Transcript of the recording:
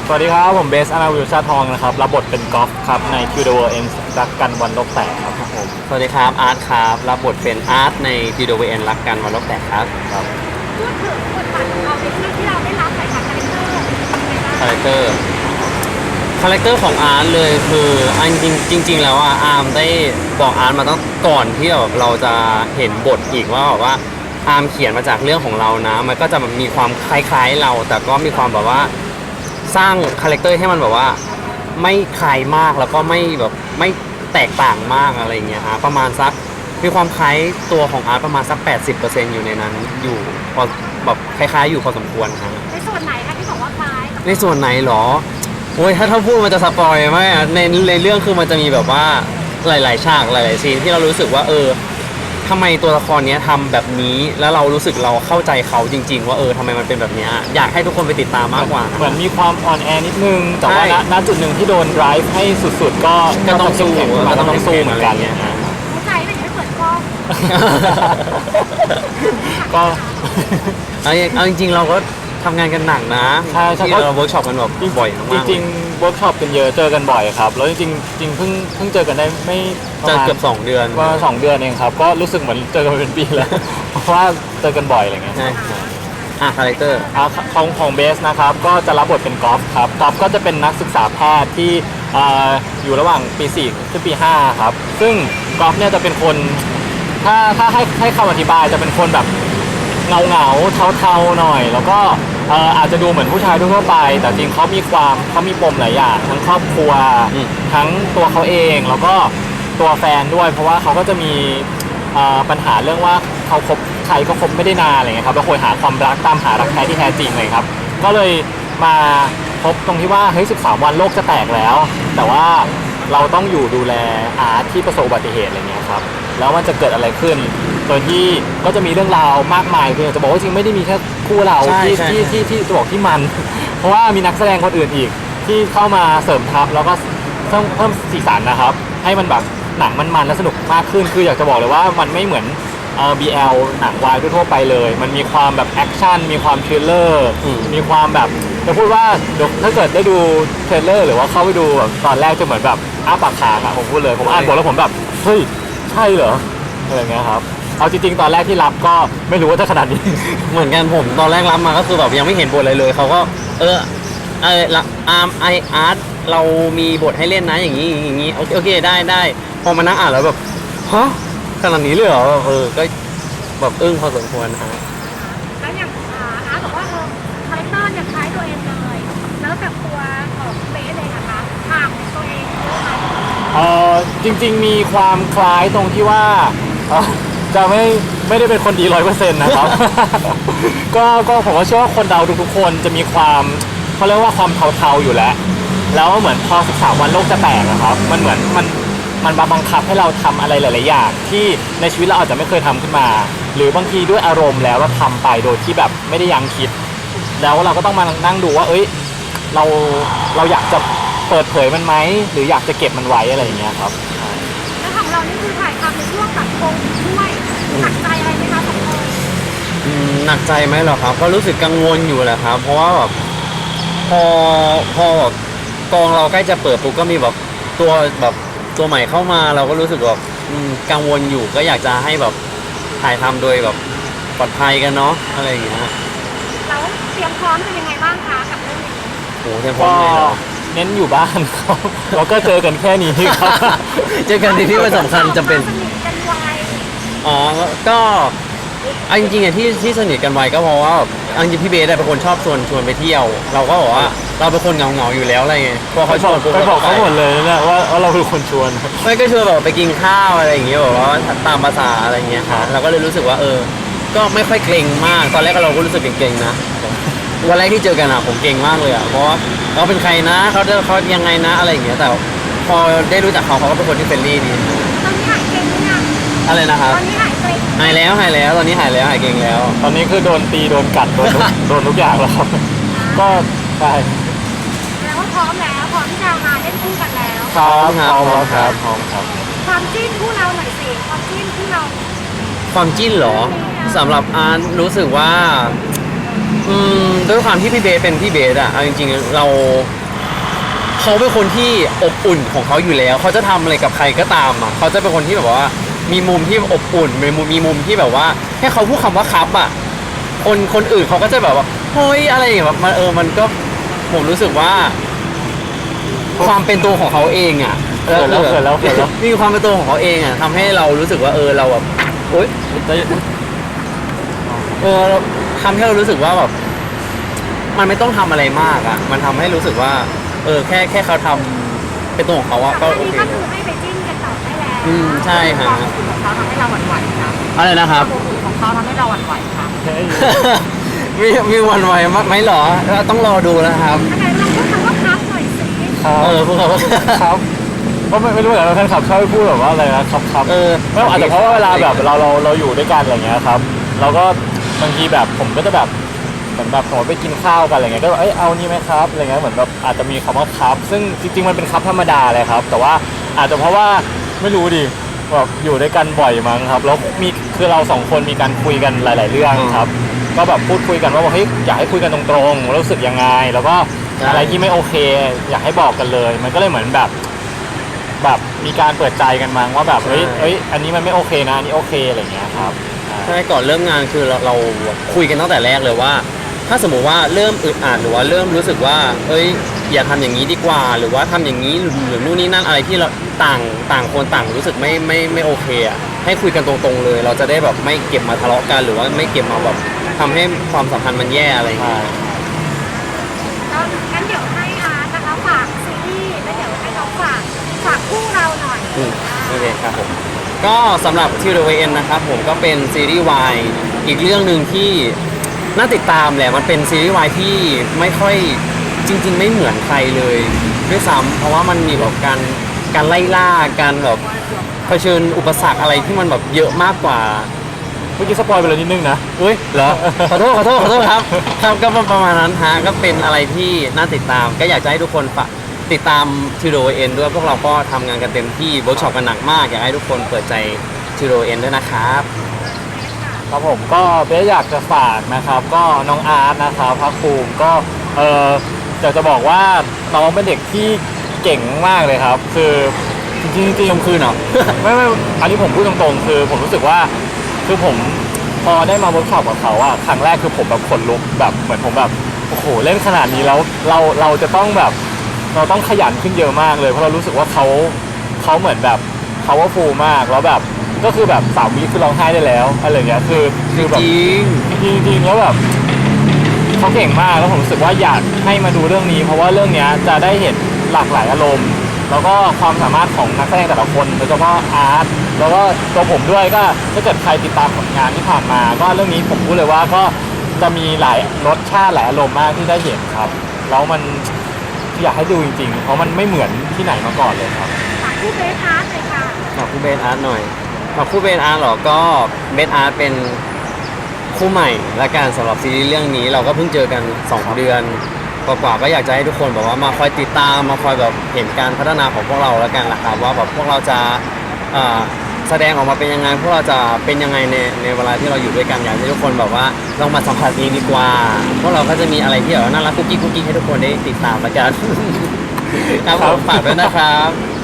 สวัสดีครับผมเบสอนาวิวชาทองนะครับรับบทเป็นกอล์ฟครับใน To the World Ends รักกันวันโลกแตกครับผมสวัสดีครับอาร์ตครับรับบทเป็นอาร์ตใน t ีโดเวนรักกันวันโลกแตกครับพูดถึงบทบาทของเราในเรื่องที่เราได้รับใส่คาแรคเตอร์คาแรคเตอร์ของอาร์ตเลยคืออันจริงแล้วอ่ะอาร์มได้บอกอาร์ตมาตั้งก่อนที่แบบเราจะเห็นบทอีกว่าแบบว่าอาร์มเขียนมาจากเรื่องของเรานะมันก็จะมีความคล้ายๆเราแต่ก็มีความแบบว่าสร้างคาแรคเตอร์ให้มันแบบว่าไม่คล้ายมากแล้วก็ไม่แบบไม่แตกต่างมากอะไรเงี้ยฮะประมาณสักมีความคล้ายตัวของอาร์ตประมาณสัก 80% อยู่ในนั้นอยู่พอแบบคล้ายๆอยู่พอสมควรครับในส่วนไหนคะที่บอกว่าคล้ายในส่วนไหนหรอโอ้ยถ้าพูดมันจะสปอยไหมในเรื่องคือมันจะมีแบบว่าหลายๆฉากหลายๆซีนที่เรารู้สึกว่าทำไมตัวละครนี้ทำแบบนี้แล้วเรารู้สึกเราเข้าใจเขาจริงๆว่าทำไมมันเป็นแบบนี้อยากให้ทุกคนไปติดตามมากกว่าเหมือนมีความอ่อนแอนิดนึงแต่ว่าณจุดหนึ่งที่โดน drive ให้สุดๆก็ต้องสู้ก็ต้องสู้เหมือนกันเนี่ยหัวใจไม่ได้เปิดกล้องก็เอาจริงๆเราก็ทำงานกันหนักนะที่เราเวิร์กช็อปกันแบบบ่อยมากจริงๆเวิร์กช็อปกันเยอะเจอกันบ่อยครับแล้วจริงเพิ่งเจอกันได้ไม่เจอเกือบ2 เดือนว่า2 เดือนเองครับก็รู้สึกเหมือนเจอกันเป็นปีแล้วเพราะว่าเจอกันบ่อยอะไรเงี้ยคาแรคเตอร์ของเบสนะครับก็จะรับบทเป็นกอล์ฟครับกอล์ฟก็จะเป็นนักศึกษาแพทย์ที่อยู่ระหว่างปี4ถึงปี5ครับซึ่งกอล์ฟเนี่ยจะเป็นคนถ้าให้คำอธิบายจะเป็นคนแบบเงาเทาๆหน่อยแล้วก็อาจจะดูเหมือนผู้ชายทั่วไปแต่จริงเขามีปมหลายอย่างทั้งครอบครัวทั้งตัวเขาเองแล้วก็ตัวแฟนด้วยเพราะว่าเขาก็จะมีปัญหาเรื่องว่าเขาคบใครก็คบไม่ได้นานอะไรเงี้ยครับแล้วคอยหาความรักตามหารักแท้ที่แท้จริงเลยครับก็เลยมาพบตรงที่ว่าเฮ้ย13 วันโลกจะแตกแล้วแต่ว่าเราต้องอยู่ดูแลอาร์ตที่ประสบอุบัติเหตุอะไรเงี้ยครับแล้วมันจะเกิดอะไรขึ้นโดยที่ก็จะมีเรื่องราวมากมายคือจะบอกว่าจริงไม่ได้มีแค่คู่เราที่จะบอกที่มันเพราะว่ามีนักแสดงคนอื่นอีกที่เข้ามาเสริมทัพแล้วก็เพิ่มสีสันนะครับให้มันแบบหนังมันและสนุกมากขึ้นคืออยากจะบอกเลยว่ามันไม่เหมือนBL หนังวายทั่วไปเลยมันมีความแบบแอคชั่นมีความทริลเลอร์มีความแบบจะพูดว่าถ้าเกิดได้ดูเทรลเลอร์หรือว่าเข้าไปดูแบบตอนแรกจะเหมือนแบบอ้าปากค้างอะผมพูดเลยผมอ่านบทแล้วผมแบบเฮ้ยใช่เหรออะไรเงี้ยครับเอาจริงๆตอนแรกที่รับก็ไม่รู้ว่าจะขนาดนี้เหมือนกันผมตอนแรกรับมาก็คือแบบยังไม่เห็นบทอะไรเลยเขาก็อาร์ตเรามีบทให้เล่นนะอย่างนี้โอเคได้พอมานั่งอ่านแล้วแบบฮะขนาดนี้เลยเหรอก็แบบอึ้งพอสมควรนะฮะแล้วอย่างอาร์ตบอกว่าคาแรคเตอร์เนี่ยคล้ายตัวเองเลยแล้วแบบตัวของเบสเลยนะคะห่างตัวเองเยอะไหมจริงๆมีความคล้ายตรงที่ว่าจะไม่ได้เป็นคนดี100%นะครับ ก็ผมว่าเชื่อว่าคนเราทุกๆคนจะมีความเขาเรียกว่าความเทาๆอยู่แล้วเหมือนพอ13 วันโลกจะแตกนะครับมันเหมือนมันบังคับให้เราทำอะไรหลายๆอย่างที่ในชีวิตเราอาจจะไม่เคยทำขึ้นมาหรือบางทีด้วยอารมณ์แล้วเราทำไปโดยที่แบบไม่ได้ยั้งคิดแล้วเราก็ต้องมานั่งดูว่าเราอยากจะเปิดเผยมันไหมหรืออยากจะเก็บมันไว้อะไรอย่างเงี้ยครับแล้วของเรานี่คือถ่ายทำในช่วงแบบโควิดด้วยหนักใจอะไรไหมคะสองคนหนักใจไหมเหรอครับก็รู้สึกกังวลอยู่แหละครับเพราะว่าแบบพอแบบกองเราใกล้จะเปิดปุ๊บก็มีแบบตัวใหม่เข้ามาเราก็รู้สึกแบบกังวลอยู่ก็อยากจะให้แบบถ่ายทำโดยแบบปลอดภัยกันเนาะอะไรอย่างเงี้ยแล้วเตรียมพร้อมเป็นยังไงบ้างคะกับเรื่องนี้โอ้เตรียมพร้อมเลยเนาะเน้นอยู่บ้านครับเราก็เจอกันแค่นี้ครับเจอกันที่มันสำคัญจำเป็นก็จริงๆที่สนิทกันไวก็เพราะว่าจริงพี่เบสเป็นคนชอบชวนไปเที่ยวเราก็บอกว่าเราเป็นคนเหงาอยู่แล้วอะไรเงี้ยพอเขาชวนไปบอกเขาหมดเลยนะว่าเราเป็นคนชวนไม่ก็ชวนแบบไปกินข้าวอะไรอย่างเงี้ยบอกว่าตามภาษาอะไรเงี้ยค่ะเราก็เลยรู้สึกว่าก็ไม่ค่อยเกรงมากตอนแรกเราก็รู้สึกเกรงๆนะวันแรกที่เจอกันผมเกรงมากเลยเพราะว่าเขาเป็นใครนะเขายังไงนะอะไรอย่างเงี้ยแต่พอได้รู้จักเขาก็เป็นคนที่เฟรนลี่ดีตอนนี้หายเกรงหรือยังอะไรนะครับตอนนี้หายเกรงหายแล้วตอนนี้หายเกรงแล้วตอนนี้คือโดนตีโดนกัดโดนทุกอย่างแล้วครับก็ใช่แล้วว่าพร้อมที่จะมาเล่นคู่กันแล้วพร้อมครับความจิ้นคู่เราหน่อยสิความจิ้นคู่เราความจิ้นเหรอสำหรับอาร์ตรู้สึกว่าด้วยความที่พี่เบสเป็นพี่เบสอะเอาจริงๆเขาเป็นคนที่อบอุ่นของเขาอยู่แล้วเขาจะทำอะไรกับใครก็ตามอะเขาจะเป็นคนที่แบบว่ามีมุมที่อบอุ่นมีมุมที่แบบว่าแค่เขาพูดคำว่าครับอะคนอื่นเขาก็จะแบบว่าเฮ้ยอะไรอย่างเงี้ยแบบมันก็ผมรู้สึกว่า ความเป็นตัวของเขาเองอะเขินแล้วมีความเป็นตัวของเขาเองอะทำให้เรารู้สึกว่าเราแบบโอ๊ยทำให้เรารู้สึกว่าแบบมันไม่ต้องทำอะไรมากอะมันทำให้รู้สึกว่าแค่เขาทำเป็นตัวของเขาอะก็แต่โออันเคนี้ก็คือให้ไปจิ้นกันต่อได้แล้วใช่ฮะความอบอุ่นของเขาทำให้เราหวั่นไหวครับอะไรนะครับความอบอุ่นของเขาทำให้เราหวั่นไหวครับมีวันไหวมากไหมเหรอเราต้องรอดูนะครับอันไหนลองพูดคำว่าครับหน่อยสิครับพวกเขาครับก็ไม่รู้เหมือนกันแฟนคลับชอบพูดแบบว่าอะไรนะครับไม่อาจจะเพราะว่าเวลาแบบเราอยู่ด้วยกันอะไรเงี้ยครับเราก็บางทีแบบผมก็จะแบบเหมือนแบบสมมติไปกินข้าวกันอะไรเงี้ยก็แบบเอานี่ไหมครับอะไรเงี้ยเหมือนแบบอาจจะมีคำว่าครับซึ่งจริงๆมันเป็นครับธรรมดาเลยครับแต่ว่าอาจจะเพราะว่าไม่รู้ดิแบบอยู่ด้วยกันบ่อยมั้งครับแล้วคือเราสองคนมีการคุยกันหลาย ๆ เรื่องครับก็แบบพูดคุยกันว่าเฮ้ยอยากให้คุยกันตรงๆรู้สึกยังไงแล้วก็อะไรที่ไม่โอเค อยากให้บอกกันเลย มันก็เลยเหมือนแบบมีการเปิดใจกันมั้งว่าแบบเฮ้ยอันนี้มันไม่โอเคนะอันนี้โอเคอะไรอย่างเงี้ยครับใช่ก่อนเริ่มงานคือเราคุยกันตั้งแต่แรกเลยว่า ถ้าสมมุติว่าเริ่มอึดอัดหรือว่าเริ่มรู้สึกว่าอย่าทำอย่างนี้ดีกว่า หรือว่าทำอย่างนี้หรือนู่นนี่นั่นอะไรที่เราต่างคนต่างรู้สึกไม่โอเคอ่ะให้คุยกันตรงๆเลย เราจะได้แบบไม่เก็บมาทะเลาะกันหรือว่าไม่เก็บมาแบบทำให้ความสัมพันธ์มันแย่อะไรอย่างเงี้ยก็งั้นเดี๋ยวให้อาร์ตนะคะฝากซีรีส์แล้วเดี๋ยวให้น้องฝากคู่เราหน่อยโอเคครับผมก็สำหรับ Till the Way End นะครับผมก็เป็นซีรีส์วายอีกเรื่องหนึ่งที่น่าติดตามแหละมันเป็นซีรีส์วายที่ไม่ค่อยจริงๆไม่เหมือนใครเลยด้วยซ้ำเพราะว่ามันมีแบบการไล่ล่าการแบบเผชิญอุปสรรคอะไรที่มันแบบเยอะมากกว่าเมื่อกี้สปอยไปเลยนิดนึงนะเหรอขอโทษครับครับก็ประมาณนั้นฮะก็เป็นอะไรที่น่าติดตาม ก็อยากจะให้ทุกคนติดตาม Till the Way End ด้วยพวกเราก็ทำงานกันเต็มที่เวิร์กช็อปกันหนักมากอยากให้ทุกคนเปิดใจ Till the Way End ด้วยนะครับครับผมก็เบสอยากจะฝากนะครับก็น้องอาร์ตนะครับพักภูมิก็อยากจะบอกว่าน้องเป็นเด็กที่เก่งมากเลยครับ คือจริงๆชมคืนเหรอไม่อันนี้ผมพูดตรงๆคือผมรู้สึกว่าคือผมพอได้มาเวิร์กช็อปกับเขาอะครั้งแรกคือผมแบบขนลุกแบบเหมือนผมแบบโอ้โหเล่นขนาดนี้แล้วเราจะต้องแบบเราต้องขยันขึ้นเยอะมากเลยเพราะเรารู้สึกว่าเขาเหมือนแบบ powerful มากแล้วแบบก็คือแบบ3 วิคือร้องไห้ได้แล้วอะไรอย่างเงี้ยคือแบบ จริงๆแล้วแบบเขาเก่งมากแล้วผมรู้สึกว่าอยากให้มาดูเรื่องนี้ เพราะว่าเรื่องนี้จะได้เห็นหลากหลายอารมณ์ แล้วก็ความสามารถของนักแสดงแต่ละคนโดยเฉพาะอาร์ตแล้วก็ตัวผมด้วยก็ถ้าเกิดใครติดตามผลงานที่ผ่านมา ก็เรื่องนี้ผมพูดเลยว่าก็จะมีหลายรสชาติหลายอารมณ์มากที่ได้เห็นครับแล้วมันอยากให้ดูจริงๆเพราะมันไม่เหมือนที่ไหนมาก่อนเลยครับฝากคู่เบสอาร์ตเลยค่ะฝากคู่เบนอาร์ตหน่อยฝากคู่เบนอาร์ตเหรอก็เบนอาร์ตเป็นคู่ใหม่และการสำหรับซีรีส์เรื่องนี้เราก็เพิ่งเจอกัน2 เดือนกว่าๆก็อยากจะให้ทุกคนแบบว่ามาคอยติดตามมาคอยแบบเห็นการพัฒนาของพวกเราแล้วกันนะครับว่าแบบพวกเราจะแสดงออกมาเป็นยังไงพวกเราจะเป็นยังไงในเวลาที่เราอยู่ด้วยกันอยากให้ทุกคนแบบว่าลองมาสัมผัสเองดีกว่าพวกเราก็จะมีอะไรที่แบบว่าน่ารักกุ๊กกิ๊กให้ทุกคนได้ติดตามแล้วกัน ครับผมฝากด้วยนะครับ